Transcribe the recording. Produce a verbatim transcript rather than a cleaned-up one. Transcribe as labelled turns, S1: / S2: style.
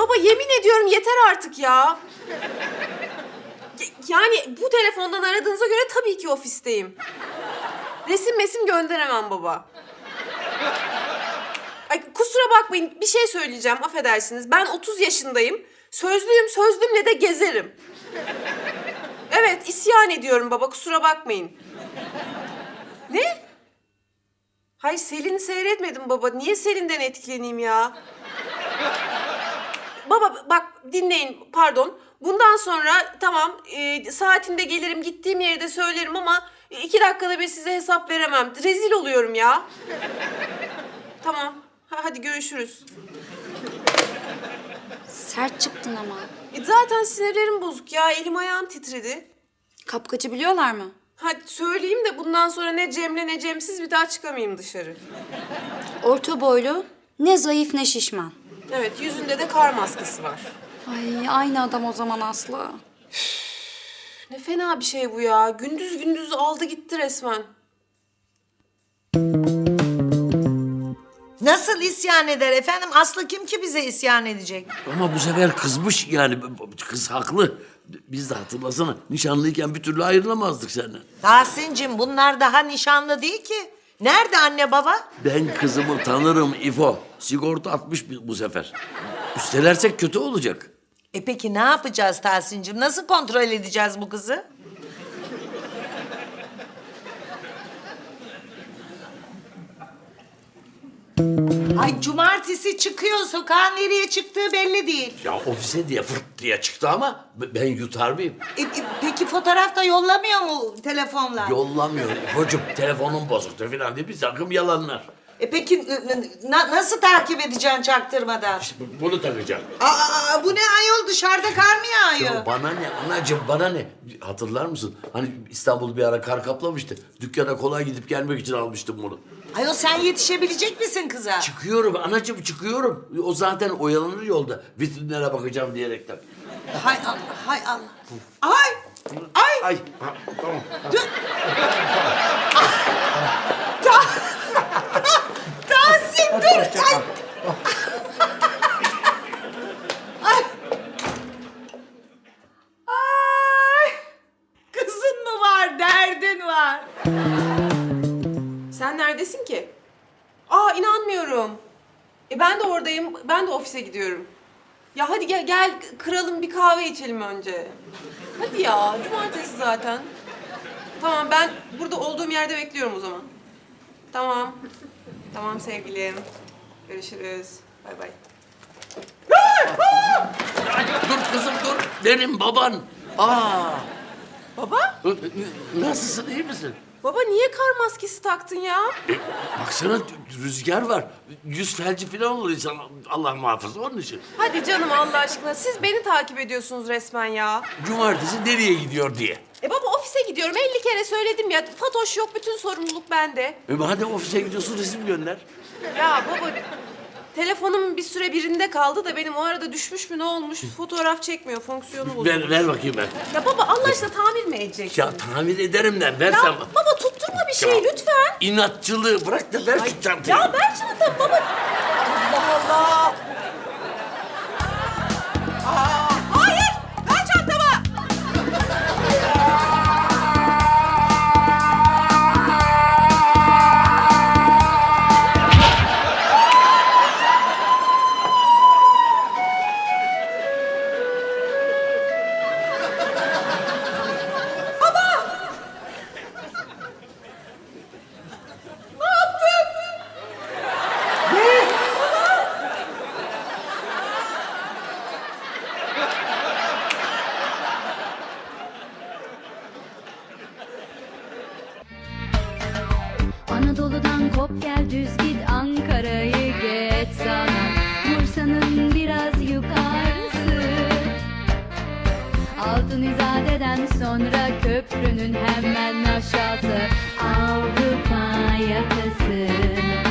S1: baba yemin ediyorum yeter artık ya. Yani bu telefondan aradığınıza göre tabii ki ofisteyim. Resim mesim gönderemem baba. Ay, kusura bakmayın bir şey söyleyeceğim affedersiniz. Ben otuz yaşındayım. Sözlüyüm sözlüğümle de gezerim. Evet isyan ediyorum baba kusura bakmayın. Ne? Hayır Selin'i seyretmedim baba. Niye Selin'den etkileneyim ya? Baba bak dinleyin pardon. Bundan sonra tamam e, saatinde gelirim gittiğim yeri de söylerim ama iki dakikada bir size hesap veremem. Rezil oluyorum ya. Tamam. Ha, hadi görüşürüz.
S2: Sert çıktın ama.
S1: E, zaten sinirlerim bozuk ya. Elim ayağım titredi.
S2: Kapkaçı biliyorlar mı?
S1: Hadi söyleyeyim de bundan sonra ne Cem'le ne Cem'siz bir daha çıkamayayım dışarı.
S2: Orta boylu, ne zayıf ne şişman.
S1: Evet yüzünde de kar maskesi var.
S2: Ay aynı adam o zaman Aslı.
S1: Ne fena bir şey bu ya. Gündüz gündüz aldı gitti resmen.
S3: Nasıl isyan eder efendim? Aslı kim ki bize isyan edecek?
S4: Ama bu sefer kızmış yani. Kız haklı. Biz de hatırlasana. Nişanlıyken bir türlü ayrılamazdık seninle.
S3: Tahsin'cim bunlar daha nişanlı değil ki. Nerede anne baba?
S4: Ben kızımı tanırım İfo. Sigorta atmış bu bu sefer. Üstelersek kötü olacak.
S3: E peki ne yapacağız Tahsin'cim? Nasıl kontrol edeceğiz bu kızı? Ay cumartesi çıkıyor sokağa nereye çıktığı belli değil.
S4: Ya ofise diye fırt diye çıktı ama ben yutar mıyım?
S3: E, e, peki fotoğraf da yollamıyor mu telefonla?
S4: Yollamıyor İfo'cum. Telefonum bozuktu falan diye bir takım yalanlar.
S3: E peki n- n- na- nasıl takip edeceksin çaktırmadan?
S4: İşte bu- bunu takacağım.
S3: Aa, bu ne ayol dışarıda kar mı yağıyor?
S4: Ya bana ne anacığım bana ne? Hatırlar mısın? Hani İstanbul bir ara kar kaplamıştı. Dükkana kolay gidip gelmek için almıştım bunu.
S3: Ayol sen yetişebilecek misin kıza?
S4: Çıkıyorum anacığım çıkıyorum. O zaten oyalanır yolda. Vitrinlere bakacağım diyerekten.
S3: Hay Allah, hay Allah. Ay, ay.
S4: Ay ha, tamam.
S3: Dur. Tahsin dur. Ay. Ay. Ay. Kızın mı var, derdin var.
S1: Sen neredesin ki? Aa inanmıyorum. E ben de oradayım. Ben de ofise gidiyorum. Ya hadi gel gel kıralım bir kahve içelim önce. Hadi ya cumartesi zaten. Tamam ben burada olduğum yerde bekliyorum o zaman. Tamam. Tamam sevgilim. Görüşürüz. Bay bay.
S4: Dur kızım dur. Benim baban. Aa.
S1: Baba?
S4: Nasılsın iyi misin?
S1: Baba niye kar maskesi taktın ya?
S4: Baksana rüzgar var. Yüz felci falan olur insan. Allah muhafaza onun için.
S1: Hadi canım Allah aşkına siz beni takip ediyorsunuz resmen ya.
S4: Cumartesi nereye gidiyor diye.
S1: E baba ofise gidiyorum elli kere söyledim ya. Fatoş yok bütün sorumluluk bende.
S4: E hadi ofise gidiyorsun resim gönder.
S1: Ya baba telefonum bir süre birinde kaldı da benim o arada düşmüş mü ne olmuş fotoğraf çekmiyor fonksiyonu bozulmuş.
S4: Ver, ver bakayım ben.
S1: Ya baba Allah aşkına tamir mi edeceksin?
S4: Ya tamir ederim de versem.
S1: Ya baba tutturma bir şey
S4: Ya,
S1: lütfen.
S4: İnatçılığı bırak da ver şu çantayı.
S1: Ya ver çantamı baba. Allah Allah. Aa, hayır ver çantamı.
S5: Anadolu'dan kop gel düz git Ankara'yı geç sana Bursa'nın biraz yukarısı Altın İzade'den sonra köprünün hemen aşağısı Avrupa yakası